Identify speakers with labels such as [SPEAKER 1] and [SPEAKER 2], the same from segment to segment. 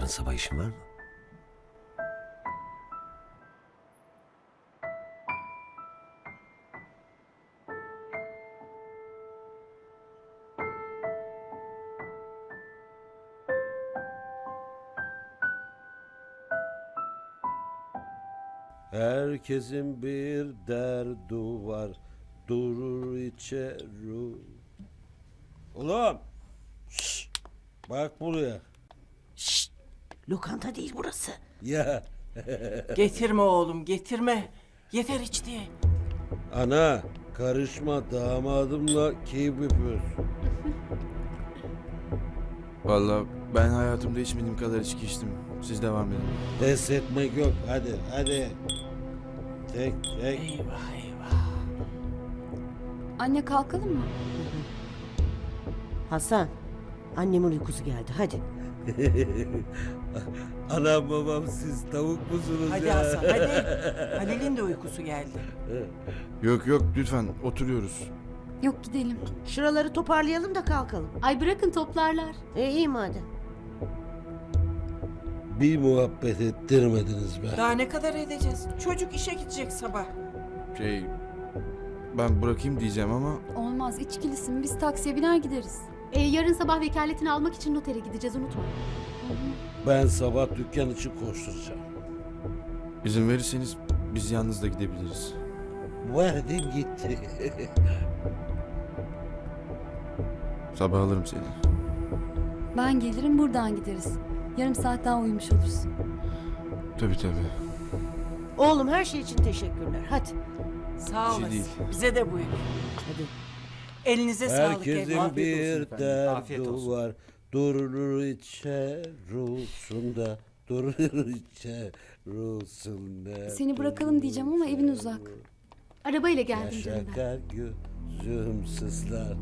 [SPEAKER 1] sabah işin var mı? Herkesin bir derdu var, durur içeri. Ulan! Şşş! Bak buraya.
[SPEAKER 2] Şşt! Lokanta değil burası.
[SPEAKER 1] Ya
[SPEAKER 3] Getirme oğlum, getirme. Yeter içti.
[SPEAKER 1] ana, karışma, damadımla keyif yapıyoruz.
[SPEAKER 4] Vallahi ben hayatımda içmediğim kadar içki içtim. Siz devam edin.
[SPEAKER 1] Pes etmek yok, hadi. Tek.
[SPEAKER 3] Eyvah eyvah.
[SPEAKER 5] Anne kalkalım mı?
[SPEAKER 2] Hasan, annemin uykusu geldi. Hadi.
[SPEAKER 1] Anam babam siz tavuk musunuz
[SPEAKER 3] Hadi
[SPEAKER 1] ya?
[SPEAKER 3] Hasan hadi. Halil'in de uykusu geldi.
[SPEAKER 4] Yok lütfen oturuyoruz.
[SPEAKER 5] Yok gidelim.
[SPEAKER 2] Şuraları toparlayalım da kalkalım.
[SPEAKER 6] Ay bırakın toplarlar.
[SPEAKER 2] İyi madem.
[SPEAKER 1] Bir muhabbet ettirmediniz be.
[SPEAKER 3] Daha ne kadar edeceğiz? Çocuk işe gidecek sabah.
[SPEAKER 4] Ben bırakayım diyeceğim ama
[SPEAKER 5] Olmaz içkilisin. Biz taksiye biner gideriz.
[SPEAKER 6] Yarın sabah vekaletini almak için notere gideceğiz, unutma.
[SPEAKER 1] Ben sabah dükkan için koşturacağım.
[SPEAKER 4] izin verirseniz biz yalnız da gidebiliriz.
[SPEAKER 1] Verdim gitti.
[SPEAKER 4] Sabah alırım seni.
[SPEAKER 5] Ben gelirim buradan gideriz. Yarım saat daha uyumuş olursun.
[SPEAKER 4] Tabii.
[SPEAKER 2] Oğlum her şey için teşekkürler. Hadi.
[SPEAKER 3] Sağ
[SPEAKER 4] Bir şey
[SPEAKER 3] olasın.
[SPEAKER 4] değil.
[SPEAKER 3] Bize de buyur.
[SPEAKER 2] Hadi.
[SPEAKER 3] Elinize sağlık
[SPEAKER 1] Herkesin
[SPEAKER 3] evladım.
[SPEAKER 1] bir
[SPEAKER 7] Afiyet
[SPEAKER 1] derdi
[SPEAKER 7] olsun.
[SPEAKER 1] var. Durur içerusunda. Durur içerusunda.
[SPEAKER 5] Seni bırakalım diyeceğim ama evin uzak.
[SPEAKER 6] Arabayla geldim canım ben.
[SPEAKER 1] Yaşakar gözüm sızlar.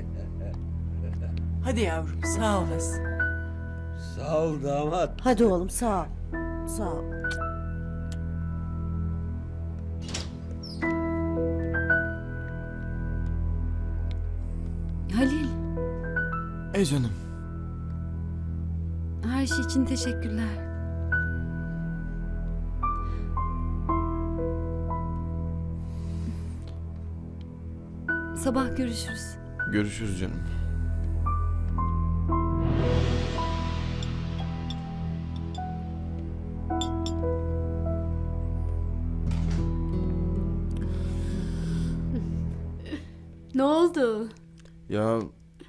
[SPEAKER 3] Hadi yavrum sağ olasın.
[SPEAKER 1] Sağ ol damat.
[SPEAKER 2] Hadi oğlum sağ ol. Sağ ol.
[SPEAKER 5] Halil,
[SPEAKER 4] Canım.
[SPEAKER 5] her şey için teşekkürler. Sabah görüşürüz.
[SPEAKER 4] Görüşürüz canım.
[SPEAKER 6] Ne oldu?
[SPEAKER 4] Ya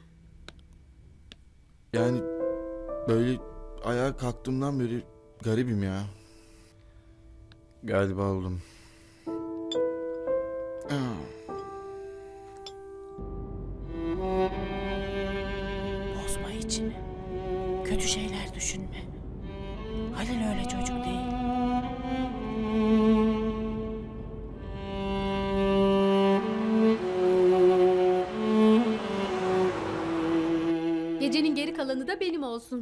[SPEAKER 4] yani böyle ayağa kalktığımdan beri garibim ya. Galiba oldum.
[SPEAKER 3] Bozma içini. Kötü şeyler düşünme. Halil öyle çocuk değil.
[SPEAKER 6] Gecenin geri kalanı da benim olsun.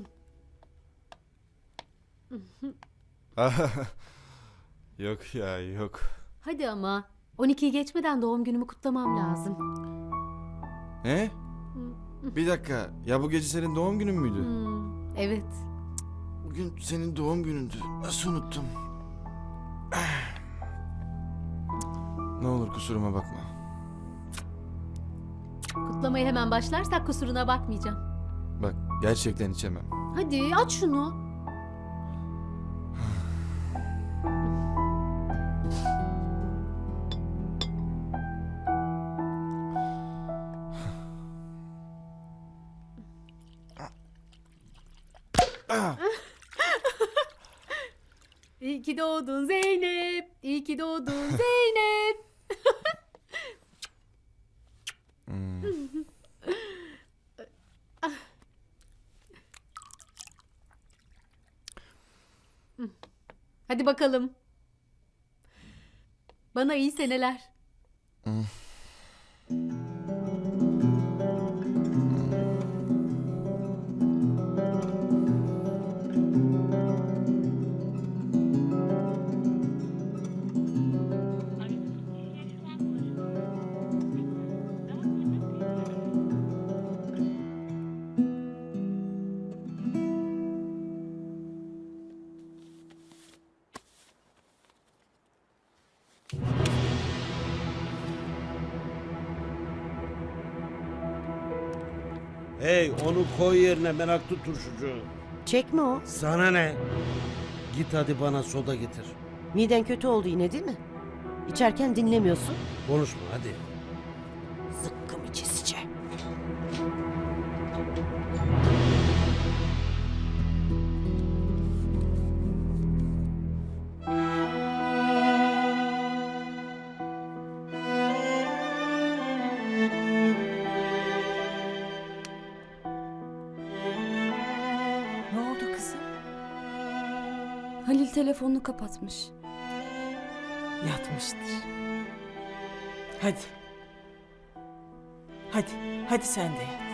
[SPEAKER 4] Yok ya yok.
[SPEAKER 6] Hadi ama. 12'yi geçmeden doğum günümü kutlamam lazım.
[SPEAKER 4] Ne? Bir dakika. Ya bu gece senin doğum günün müydü?
[SPEAKER 6] Evet.
[SPEAKER 4] Bugün senin doğum günündü. Nasıl unuttum? Ne olur kusuruma bakma.
[SPEAKER 6] Kutlamaya hemen başlarsak kusuruna bakmayacağım.
[SPEAKER 4] Bak gerçekten içemem.
[SPEAKER 6] Hadi aç şunu. İyi ki doğdun Zeynep. İyi ki doğdun Zeynep. Hadi bakalım. Bana iyi seneler.
[SPEAKER 1] Hey onu koy yerine meraklı turşucu.
[SPEAKER 2] Çekme o.
[SPEAKER 1] Sana ne? Git hadi bana soda getir.
[SPEAKER 2] Miden kötü oldu yine değil mi? İçerken dinlemiyorsun.
[SPEAKER 1] Konuşma hadi.
[SPEAKER 2] Zıkkım içesice.
[SPEAKER 3] Ne oldu kızım?
[SPEAKER 5] Halil telefonunu kapatmış.
[SPEAKER 3] Yatmıştır. Hadi. Hadi sen de yat.